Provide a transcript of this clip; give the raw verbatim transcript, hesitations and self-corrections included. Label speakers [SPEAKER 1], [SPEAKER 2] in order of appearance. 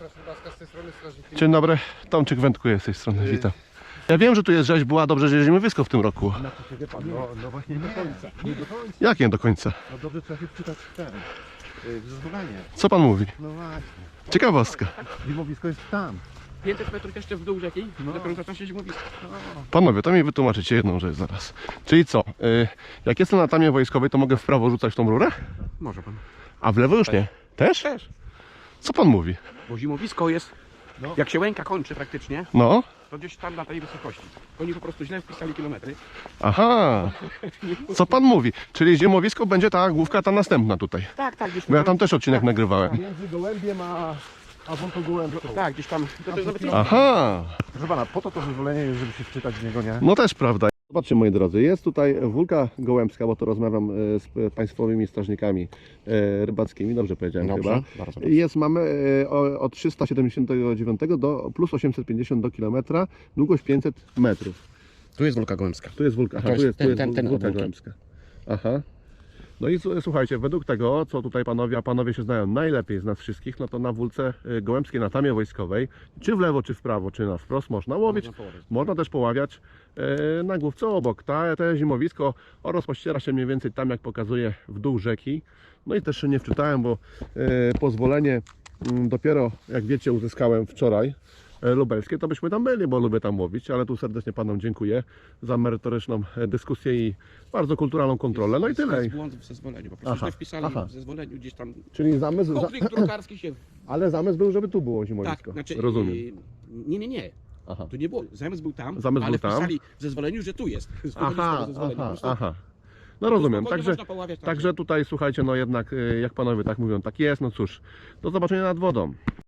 [SPEAKER 1] z tej strony strażnik.
[SPEAKER 2] Dzień dobry, Tomczyk wędkuje z tej strony, witam. Ja wiem, że tu jest rzeźba, dobrze, że jeździmy wysko w tym roku.
[SPEAKER 1] Znaczy, wie pan, no, no właśnie nie do końca. Nie do końca.
[SPEAKER 2] Jak nie do końca?
[SPEAKER 1] No dobrze trzeba się wczytać w ten. yy, w zezwolenie.
[SPEAKER 2] Co pan mówi?
[SPEAKER 1] No właśnie.
[SPEAKER 2] Ciekawostka.
[SPEAKER 1] Zimowisko jest tam.
[SPEAKER 3] pięćset metrów jeszcze w dół rzeki,
[SPEAKER 1] No.
[SPEAKER 3] dopiero zaczyna się zimowisko.
[SPEAKER 1] No.
[SPEAKER 2] Panowie, to mi wytłumaczycie jedną rzecz zaraz. Czyli co, y, jak jestem na tamie wojskowej, to mogę w prawo rzucać w tą rurę?
[SPEAKER 3] Może pan.
[SPEAKER 2] A w lewo już nie? Też?
[SPEAKER 3] Też.
[SPEAKER 2] Co pan mówi?
[SPEAKER 3] Bo zimowisko jest,
[SPEAKER 1] No.
[SPEAKER 3] jak się Łęka kończy praktycznie,
[SPEAKER 2] No,
[SPEAKER 3] to gdzieś tam na tej wysokości. Oni po prostu źle wpisali kilometry.
[SPEAKER 2] aha. Co pan mówi? Czyli zimowisko będzie ta główka ta następna tutaj.
[SPEAKER 3] Tak, tak, gdzieś
[SPEAKER 2] Bo ja tam też odcinek nagrywałem.
[SPEAKER 1] Między gołębiem a, a wątą gołębką.
[SPEAKER 3] Tak, gdzieś tam. To, to jest nawet
[SPEAKER 2] Aha.
[SPEAKER 1] Proszę pana, po to to zezwolenie jest, żeby się wczytać w niego, nie?
[SPEAKER 2] No też prawda. Zobaczcie, moi drodzy, jest tutaj Wólka Gołębska, bo to rozmawiam e, z państwowymi strażnikami e, rybackimi, dobrze powiedziałem
[SPEAKER 3] Dobrze,
[SPEAKER 2] chyba.
[SPEAKER 3] bardzo dobrze.
[SPEAKER 2] Jest, mamy e, o- od trzysta siedemdziesiąt dziewięć do plus osiemset pięćdziesiąt do kilometra, długość pięćset metrów.
[SPEAKER 3] Tu jest Wólka Gołębska.
[SPEAKER 2] Tu jest Wólka, aha,
[SPEAKER 3] To
[SPEAKER 2] tu
[SPEAKER 3] jest
[SPEAKER 2] jest, tu
[SPEAKER 3] ten-
[SPEAKER 2] jest
[SPEAKER 3] ten- ten
[SPEAKER 2] Wólka
[SPEAKER 3] od Wólki.
[SPEAKER 2] Gołębska. Aha. No i s- słuchajcie, według tego, co tutaj panowie, a panowie się znają najlepiej z nas wszystkich, no to na Wólce e, Gołębskiej, na tamie wojskowej, czy w lewo, czy w prawo, czy na wprost można łowić.
[SPEAKER 3] Można połowić.
[SPEAKER 2] Można też poławiać e, na główce obok. Ta, te zimowisko rozpościera się mniej więcej tam, jak pokazuje, w dół rzeki. No i też się nie wczytałem, bo e, pozwolenie mm, dopiero, jak wiecie, uzyskałem wczoraj e, lubelskie, to byśmy tam byli, bo lubię tam łowić, ale tu serdecznie panom dziękuję za merytoryczną e, dyskusję i bardzo kulturalną kontrolę. No i
[SPEAKER 3] Jest-
[SPEAKER 2] tyle.
[SPEAKER 3] Jest błąd w zezwoleniu, po prostu
[SPEAKER 2] Aha,
[SPEAKER 3] źle wpisali
[SPEAKER 2] aha.
[SPEAKER 3] w zezwoleniu gdzieś tam.
[SPEAKER 2] Czyli zamysł, za,
[SPEAKER 3] Konflikt drukarski się.
[SPEAKER 2] ale zamysł był, żeby tu było
[SPEAKER 3] Tak,
[SPEAKER 2] zimowisko.
[SPEAKER 3] znaczy.
[SPEAKER 2] Rozumiem.
[SPEAKER 3] yy, Nie, nie, nie.
[SPEAKER 2] Aha.
[SPEAKER 3] Tu nie było. Zamysł był tam,
[SPEAKER 2] Zamysł
[SPEAKER 3] ale
[SPEAKER 2] był tam.
[SPEAKER 3] wpisali w zezwoleniu, że tu jest.
[SPEAKER 2] Aha,
[SPEAKER 3] W zezwoleniu. Po
[SPEAKER 2] aha,
[SPEAKER 3] prostu
[SPEAKER 2] aha. No
[SPEAKER 3] tu
[SPEAKER 2] rozumiem,
[SPEAKER 3] spokojnie
[SPEAKER 2] także,
[SPEAKER 3] można poławiać tam.
[SPEAKER 2] także tutaj słuchajcie, no jednak y, jak panowie tak mówią, tak jest, no cóż, do zobaczenia nad wodą.